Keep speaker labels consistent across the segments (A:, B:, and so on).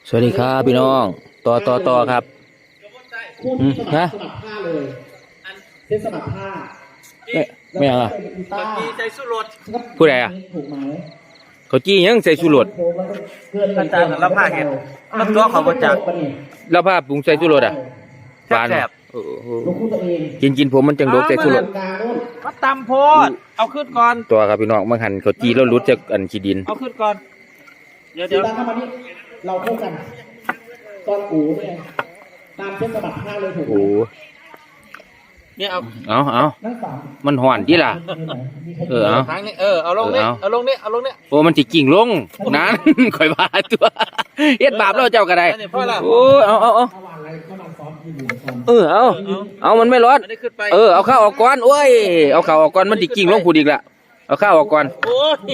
A: สวัสดีครับพี่น้องต่อครับ
B: คู่ที่สมั
A: ฮะ
B: ครผ้าเลยเส้นสมัครผ้า
A: ไม่เอาอะ
B: ต้า
C: ใจสู้รถ
A: ผู้ใดอะ
B: ถูกไหม
A: เขาจี้ยังใส่ชูรส
C: อาจารย์รับผ้าเห็นรับตัวเขาบ่จัก
A: แล้วผ้าปรุงใส่ชูรสอ่ะหวาน
C: แซ่บ
A: โอ้โห
B: ลูกคู่ตัวเอง
A: กินผมมันจังโดกใส่ชูรส
B: กลางนู่น
C: มาตำโพดเอาขึ้นก่อน
A: ตัวครับพี่น้องมันหันเขาจี้แล้วรุดจากอันขี้ดิน
C: เอาขึ้นก่อน เดี๋ยว
B: สีตาเข้ามานี่เราเข้ากันตอนกูเนี่ยตามเส้นสมัครผ้าเลยถูกไหม
A: โอ้โห
C: เนี่ยเอา
A: เอา
B: นั่งสาม
A: มันห่อนที่ล่ะ เออเอา
C: ทางนี้เอาลงนี่เอาลงนี่เอาลงนี่
A: โอ้มันสิกิ่งลงนั้น ข่อยบาตัวเฮ็ดบาปแล้วเจ้าก็ได้
C: อันนี้พ่อละ
A: โอ้เอา
B: เมื่อวานอะไรเมื่อวานซ้อมที่อยู่ซ้อม
A: เอามันไม่ร้อน
C: อันนี้ขึ้นไป
A: เอาข้าวออกก่อนโอ้ยเอาข้าวออกก่อนมันสิกิ่งลงพูดอีกละเอาข้าวออกก่อน
C: โอ้ย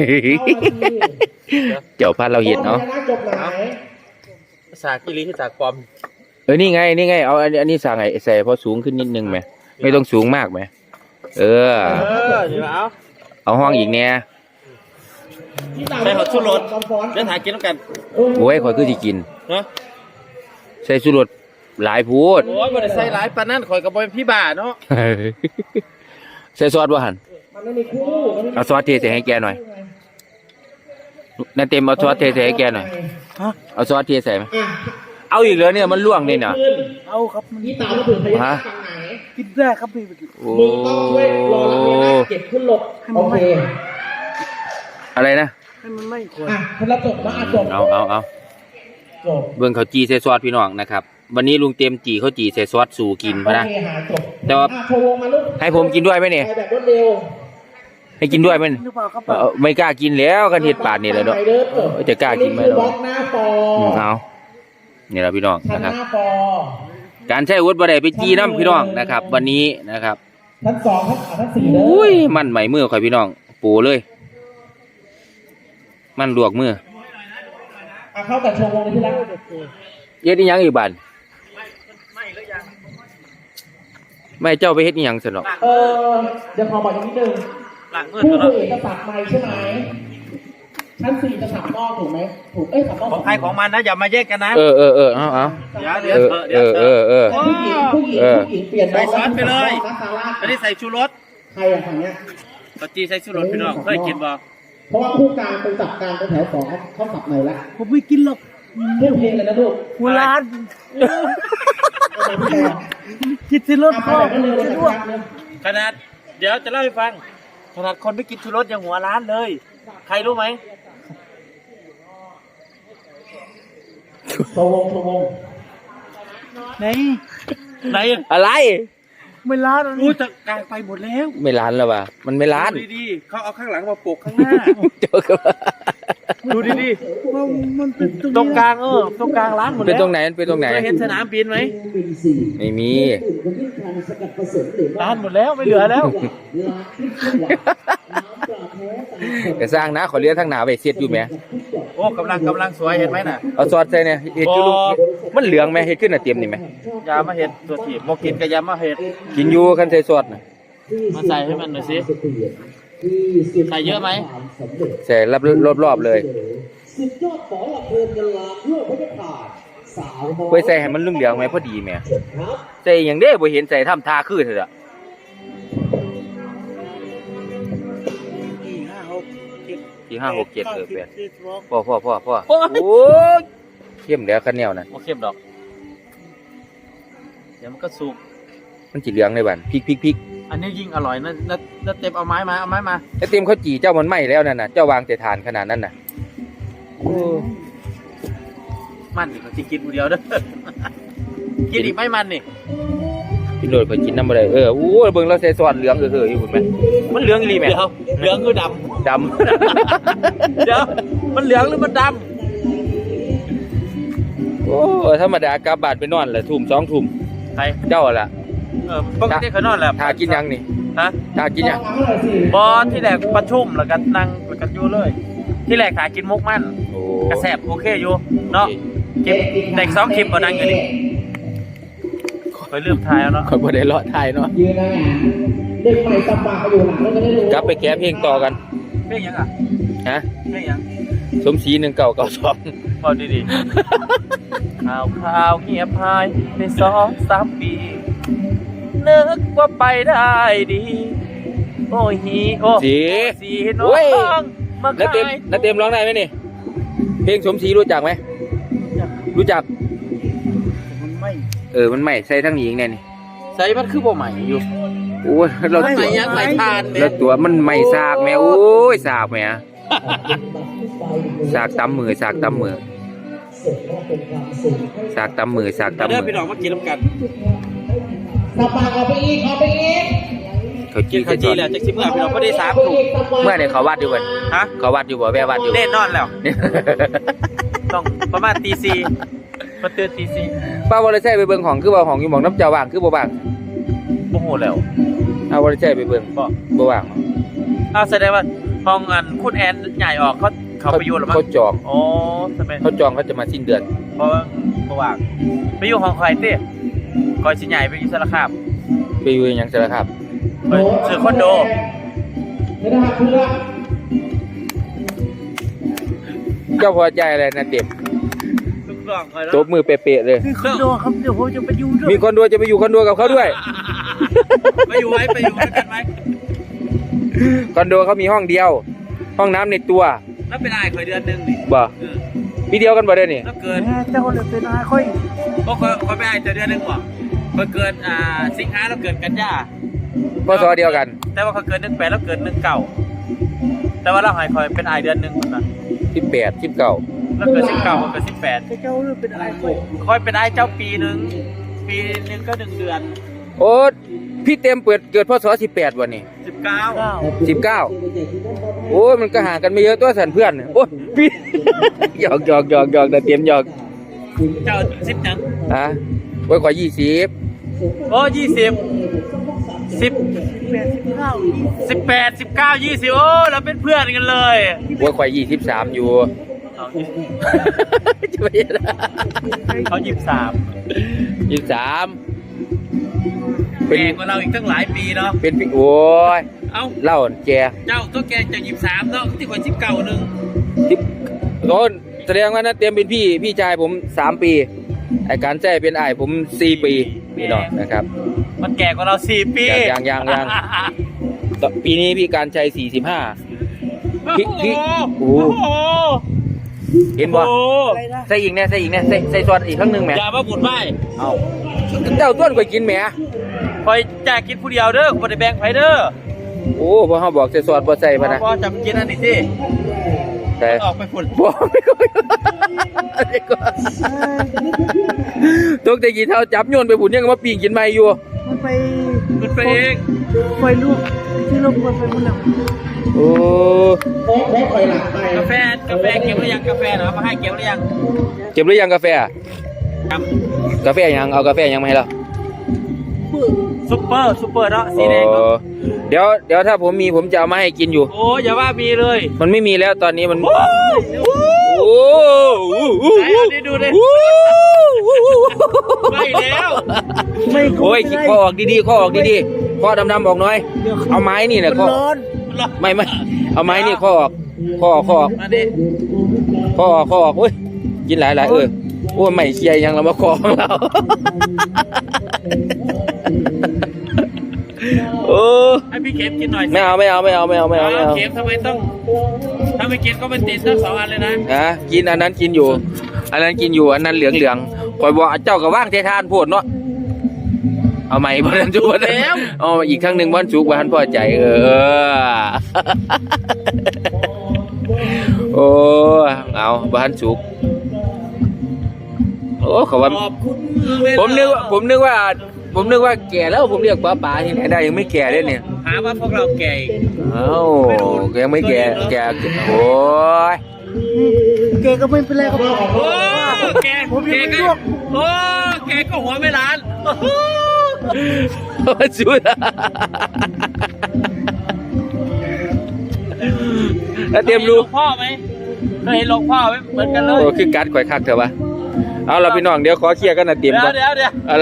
A: เจ้าพันเราเห็นเนาะ
B: พญนาคจบไหน
C: ภาษากิริที่จากปลอม
A: นี่ไงเอาอันนี้สั่งไอ้ใส่พอสูงขึ้นนิดนึงไหมไม่ต้องสูงมากไหมเดี๋ยว เอาห้องอีกเนี่ย
C: ใส่หัวชูรสเดี๋ยวถ่ายกินแล้วกัน
A: โอ้ยข่อยคือสิกิน
C: เนาะ
A: ใส่สุรสหลายพูด
C: โอ้ยบ่ได้ใส่หลายปานนั้นข่อยก็บ่เป็นพี่บ้าเนาะ
A: ใส่ซอสบ่หัน
B: มันไม่มีคู่มันไม่มี
A: เอาซอสเทใส่ให้แกหน่อยนั่นเต็มเอาซอสเทใส่ให้แกหน่อยเอาซอสเทใส่ไหม
B: อ่ะ
A: เอาอีกแล้วเนี่ยมันล่วงเลยเนี่ย
B: ขึ้น
C: เอาครับ
B: นี่ตามมาถึงพญานาคฝั่งไหน
C: กินได้ครับพี่
A: โอ้
B: มึงต้องช่วยรอรับพญานาคเก็บขึ้นรถโอเค
A: อะไรนะ
C: ให้มันไม่ควร
B: อ่ะพลังจบมาจบ
A: เอา
B: จบ
A: เบิ่งเขาจีใส่ซอสพี่น้องนะครับวันนี้ลุงเต็มจีเขาจีใส่ซอสสู่กินพะนะ
B: โอเคหาจบ
A: แต่ว่า
B: อ่ะโชว์วงมาลูก
A: ให้ผมกินด้วยไหมเนี่ย
B: ไปแบบรวดเร็ว
A: ให้กินด้วยไหม
C: หรือเปล่าครับ
A: ไม่กล้ากินแล้วกันเห็ดปาดนี่แหละเนาะ จะกล้ากินไหม
B: อั
A: เนาะ
B: คือบล็อกหน้าฟอ
A: เอานี่แหละพี่น้อง
B: ชั้น
A: นะครับ
B: หน้าฟอ
A: การใช้อาวุธบ่ได้ไปจีน้ำพี่น้องนะครับ วันนี้นะครับ
B: ชั้นสองชั้นสี่เด้
A: อุ้ยมันใหม่มือข่อยพี่น้องปูเลย มันลวกมือ
B: อ่ะเข้ากับโชว์วงเลยที่รัก
A: เฮ็ดอีหยังอีกบัดไม่เจ้าไปเฮ็ดอีหยังซะเนาะ
B: เดี๋ยวขอบอกอีกนิดนึง
C: หลังเงิน
B: ผู้
C: แล้ว
B: คุยจะสับไม้ใช่ไหมชั้นสี่จะสับนอกถูกไหมถูกสับนอก
C: ของใครของมันนะอย่ามาแยกกันนะ
A: เอา
C: เดี๋ยว
B: ผู้หญิงเปลี่ยน
C: ใส่ซอสไปเลย
B: ซาร่า
C: อันนี้ใส่ชูรส
B: ใครอะฝั่งเนี้ย
C: ปจีใส่ชูรสพี่น้องเคยกินบ่
B: เพราะว่าคู่กลางเป็นจับกลางเป็นแถวสองเขาสับใหม่ละ
C: ผมไม่กินหรอก
B: เรื่องเพลงเลยนะลูก
C: หัวร้าน
B: เอาไปพี่แดง
C: กินชูรส
B: เอา
C: พ่อ
B: ไปแบบเร็วเลยนะครับ
C: ขนาดเดี๋ยวจะเล่าให้ฟังขนาดคนไม่กินชูรสยังหัวร้านเลย ใครรู้ไหม
B: โชว์วง
C: ไหนไหน
A: อะไร
C: ไม่ร้านรู้จะกลางไปหมดแล้ว
A: ไม่ร้านแล้วว่ะมันไม่ร้าน
C: ดูดีๆเขาเอาข้างหลังมาโปกข้างหน้า
A: เจ้าก็
C: ดูดีๆตรงกลางตรงกลางร้านหมด
A: เป็น
C: แล้ว
A: ตรงไหนเป็นตรงไหน
C: เคยเห็นสนามบินไหม
B: ปีสี่
A: ไม่มี
B: คนที่ทางสกัดผสมหรือว่า
C: ร้านหมดแล้วไม่เหลือแล้ว
B: ร้านที่ขึ้นหวานน้ำปลาแท้ตาม
A: แต่สร้างนะขอเลี้ยงทางหนาไปเสียดอยู่ไหม
C: โอ้กำลังสวยเห็นไหมน่ะ
A: เอาซอสใส่เนี่ยเห็ดอยู่ลูกมันเหลืองไหมเห็ดขึ้นน่ะเต็มนี่ไหม
C: ยามาเห็ดตัวถีบโมกินกับยามาเห็ด
A: กินอยู่คันใส่ซอสน่ะ
C: มาใส่ให้มันหน่อยสิใส่เยอะไหม
A: ใส่รอบๆเลย
B: สุดยอดหมอลำเพลินกันลาเพื่อพระขาดสาวน้อย
A: ไว้ใส่ให้มันเหลืองๆไหมพอดีแหม
B: ครับ
A: ใส่อย่างเด้บ่เห็นใส่ทำทาคือเถอะ
C: 4 5 6 7
A: ที่5 6 7 8พ่อ
C: โอ้ย
A: โอ้ยเข้มแล้วคันแนวนั้น
C: โอเคดอก เดี๋ยวมันก็สุก
A: มันสิเหลืองในบ้านพริก
C: อันนี้ยิ่งอร่อยนะแล้วเต็มเอาไม้มา
A: ไอ้เต็มเขาจีเจ้ามันไหม้แล้วนั่นน่ะเจ้าวางแต่ฐานขนาดนั้นน่ะ
C: มันนี่เขาจะกินคนเดียวเด้อ กินอีกไหม่มันนี่
A: พี่โดดไปกินน้ำบ่ได้โอ้ยเบิ่งเราใส่ซอสเหลืองอยู่พุ่นแม่มันเหลืองอีหลีแม่
C: เดี๋ยวเหลืองคือด
A: ดำ
C: ำ เดี๋ยวมันเหลืองหรือมันด
A: โอ้ธรรมดากลับบ้านไปนอนแหละทุ่ม2 ทุ่ม
C: ำใคร
A: เจ้าล่ะ
C: ปกติเขานอนแหละ
A: ทากินยังนี่
C: ฮะ
A: ทากินยัง
B: เอาหน่อยสิ
C: บอที่แรกประชุมแล้วก็นั่งกันอยู่เลย ที่แรกหากินมุกมัน
A: โอ้
C: กระแสบโอเคอยู่เนาะคลิปเด็ก2 คลิปก็นั่งอยู่นี่ไปลืมถ่ายแล้วเนาะ
A: คนบ่ได้เลาะทายเนาะ
B: ยืนนะเด็กใหม่สับปากอยู่หลังแล้วจะได้รู้
A: กลับไปแก้เพลงต่อกัน
C: เพลงยังอ่ะ
A: ฮะ
C: เพลงยัง
A: สมศรี1992
C: พอดีๆข่าวเงียบหายใน2-3 ปีนึกว่าไปได้ดีโอ้ฮีโอ้สีน้องมา
A: น้าเต็มร้องได้ไหมนี่เพลงสมศรีรู้จักไหมรู้จักมันไม่ใส่ทั้งหญิงแน่นี่
C: ใส่มันคือบ่ใหม่อยู่
A: โอ้ยเรา
C: ใหม่ยังใหม่ทานเนี่ย
A: แล้วตัวมันไม่สากแม่โอ้ยสากแม่สากตำมือสากตำมือสากตำมือสากตำมื
C: เด้อ
A: อ
C: พี่น้องมากินน้ำกัน
B: สบายเอาไปอีกเอาไปอีก
A: เขา
C: กินข้าวจีแล้วจากสิเมื่อพี่น้องก็ได้3 ถุง
A: เมื่อเนี่ยเขาวัดอยู่บ่
C: ฮะ
A: เขาวัดอยู่บ่แว่วัดอยู่
C: เล่นนอนแล้ว ต้องประมาณตี4มาตื่นตี
A: ป้าวอลใช่ไปเบิ่งของคือบ่ของอยู่หม่องน้ำเจ้าว่างคือบ่ว่าง
C: 4โอ้โหแล้ว
A: เอาวอลใช่ไปเบิ่ง
C: บ่
A: บ่ว่าง
C: อ้าวแสดงว่าห้องอันคุณแอนใหญ่ออกเขาไปอยู่หรือมั้ง
A: เขาจอง
C: โอ้ทำไม
A: เขาจองเขาจะมาสิ้นเดือน
C: เพราะว่าประว่างไปอยู่ห้องใครเต้คอยชิ้นใหญ่ไปอยู่สารคาม
A: ไปอยู่หยังสารคาม
C: ไปซื้อคอนโด
B: ไม่ได้หักเพื่อน
A: เจ้าพอใจอะไรนะเต็ม
C: ทุกกล่องคอย
A: ตบมือเป๊ะๆเลย
C: คอนโดครับเดี๋ยวผมจะไปอยู่ด้วย
A: มีคอนโดจะไปอยู่คอนโดกับเขาด้วย
C: ไปอยู่ด้วยกันไหม
A: คอนโดเขามีห้องเดียว ห้องน้ำในตัว
C: แล้วเป็นอายคอยเดือนหนึ่งนี่
A: บ่พี่เดียวกันบ่ได้นี่
C: แล้วเกินเจ้าเลยเป็นอายค่อยก็คอยไปอายเดือนหนึ่งบ่คอยเกินสิงหาแล้วเกินกันยา
A: พศเดียวกัน
C: แต่ว่าเขาเกิน18แล้วเกิน19แต่ว่าเราหายคอยเป็นอายเดือนหนึ่งนะ
A: 18 19
C: แล้วเกิน19มันเกิน18เจ้าเป็นอายคอยเป็นอายเจ้าปีหนึ่งก็1 เดือน
A: โอ้พี่เต็มเกิดพศ18วันนี้
C: 19
A: 19โอ้ยมันก็ห่างกันไม่เยอะตัวสันเพื่อนโอ้ยพี่ หยอกแต่เต็มหยอก
C: เจ้า10จัง
A: ฮะไว้ขอ20
C: โอ้20 18 19 20โอ้เราเป็นเพื่อนกันเลย
A: ไว้ขอ23อยู่ จะไปยังไง
C: เขา23
A: 23
C: แก่กว่าเราอีกตั้งหลายปีเนาะ
A: เป็นพี่โอ้ย
C: เอ้า
A: เล่าแก
C: เจ้าตัวแกจาก23เนาะที่คน19นึง
A: ที่โดนแสดงว่านะเตรียมเป็นพี่ชายผม3 ปีไอ้การแจ้เป็นไอ้ผม4 ปีพี่น้องนะครับ
C: มันแก่กว่าเรา4 ปี
A: ยัง ปีนี้พี่การชัย45พี่
C: โอ้โห
A: เห็นบ่ใส่อีกเนี่ยใส่ซอสอีกครั้งหนึ่งแหม
C: อย่ามาบุญไหว้
A: เอาเจ้าต้นก๋วยกินแหม
C: คอยแจกกินผู้เดียวเด้อบ่ได้แบ่งไผเด้อ
A: โอ้พอเขาบอกใส่ซอสบ่ใส่พะนะ
C: พอจับกินอันนี้สิ
A: แต่
C: ออกไปฝุ่น
A: บ่ไม่ก็ตกแต่กี่เท่าจับโยนไปผุนยังมาปีงกินไม่อยู่
C: มันไปเอง
D: ไฟลูกที่ลงบนไฟมันหนัก
A: โอ้
B: โค้งคอยหลังไป
C: กาแฟเก็บหรือยังกาแฟเหรอมาให้เก็บหรือยัง
A: เก็บหรือยังกาแฟ
C: ครับ
A: กาแฟยังเอากาแฟยังมาให้เรา
C: ซุปเปอร์เนาะสีแดงเนาะ
A: เดี๋ยวถ้าผมมีผมจะเอามาให้กินอยู่
C: โอ้อย่าว่ามีเลย
A: มันไม่มีแล้วตอนนี้มัน
C: โอ้ย
A: โอ้
C: ไหนเอาดิดูดิไม่แล้ว
D: ไม่
A: โอ้ยข้อออกดีๆข้อออกดีๆข้อดำๆออกหน่อย เอาไม้นี่แหละข้อ
D: ร้อน
A: ไม่เอาไม้นี่ข้อออกข้อออก
C: มาดิ
A: ข้อออกโอ้ยกินหลายโอ้ยไม่เคลียร์ยังเรามาคอของเรา โอ้
C: ให้พี่เข็มกินหน่อยสิ
A: ไม่เอา
C: เข็มทำไมต้องถ้าไม่กินก็เป็นติดทั้ง2 อันเลยนะ
A: นะกินอันนั้นกินอยู่ อันนั้นเหลืองคอยบอกเจ้ากับว่างเททานโพดเนาะเอาใหม่บ้านจุกแล้วเอาอีกครั้งหนึ่งบ้านจุกบ้านพอใจโอ้เอาบ้านจุกโอ้เขาว่า
C: ขอบคุณ
A: ผมนึกว่าแก่แล้วผมเรียกป้าที่ไหนได้ยังไม่แก่เลยเนี่ย
C: หาว่าพวกเราแก่อีก
A: เอ้ายังไม่แก่โอ้ย
D: แกก็ไม่เป็นไรครับ
C: โอ้แก่ก็โอ้แก่ก็หัวไม่ล้าน
A: สุดแล้วเตรียมรู้
C: พ่อไหมเคยเห็นหลวงพ่อไหมเหมือนกันเลย
A: โอ้คือการข่อยคักเถอะวะเอาเราพี่น้องเดี๋ยวขอเคลียร์กันนะเตรียมก่อน
C: เดี๋ยว
A: อะไร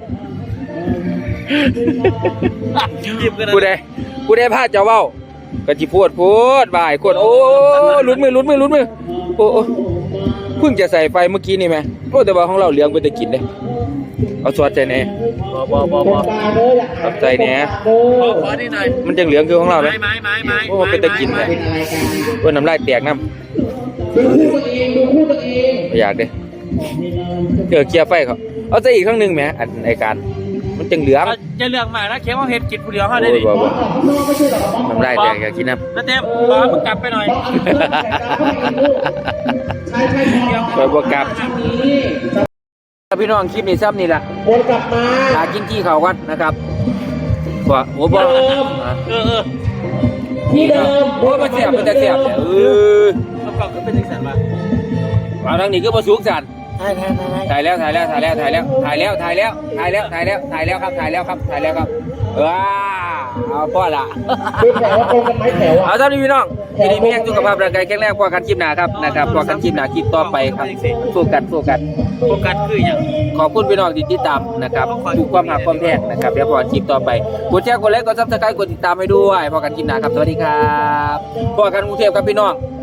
A: ผู้ใดพลาดจะเว้ากะจิพูดบ่ายคนโอ้ลุ้นมือโอ้เพิ่งจะใส่ไฟเมื่อกี้นี่ไหมโอ้แต่ว่าของเราเหลืองไปแต่กินเลยเอาสวดใจแหน่
C: บ่
B: ตรงตาเด้ออย่าหาย
A: ขอบใจแหน่
C: ขอนี่หน่อย
A: มันจังเหลืองคือของเราไหม
C: ไม้
A: โอ้เป็นตะกินเลย
B: เป็นอะไรกัน
A: ว่าน้ำลายแตกน้
B: ดูคู่ตัวเองดูคู่ตัวเอง
A: ำอยากเด้เกิดเคลียร์ไฟเขาเอาใจอีกครั้งหนึ่งไหมอันไอการมันจังเหลือง
C: จะเลือกมานะเข็มเอาเห็ดกินผู้เดียวเขา
A: โอ้
C: ได้
A: ย
C: ดิ
A: บ่บ่
B: ไม่ใช่หรอก
A: น้ำลายแตกอยากกินน้
C: แล้วเต็มบอกมึงกลับไปหน่อย
B: ใช่ใช่
A: ำบ่บ่กลับ
B: นี้
A: พี่น้องคลิปนี้ซ้ำนี่แหละ
B: วนกลับมา
A: หากินที่เขากันนะครับว่าโอ้บ่
B: ที่เดิม
A: โอ้มันเสียบมันจะเสียบเนี่ย
C: ประกอบก็เป็นจังสันวะ
A: เอาทางนี้ก็มาสูงสัน
D: ใช่ใช่ใช่
A: ถ่ายแล้วครับถ่ายแล้วครับว้าเอาพ่อละ
B: ดูแถวว่าตรงกันไหมแถวอ่ะ
A: เอาท่านพี่น้องทีนี้มีแห่งสุขภาพร่างกายแข็งแรงกว่ากันคลิปหน้าครับนะครับกว่ากันคลิปหน้าคลิปต่อไปครับสู้กัน
C: โฟกัสคืออย่าง
A: ขอบคุณพี่น้องที่ติดตามนะครับทุกความหักความแพงนะครับเดี๋ยวพอกันคลิปต่อไปกดแชร์กดไลค์กดซับสไครต์กดติดตามให้ด้วยพอกันคลิปหน้าครับสวัสดีครับพอกันกรุงเทพครับพี่น้อง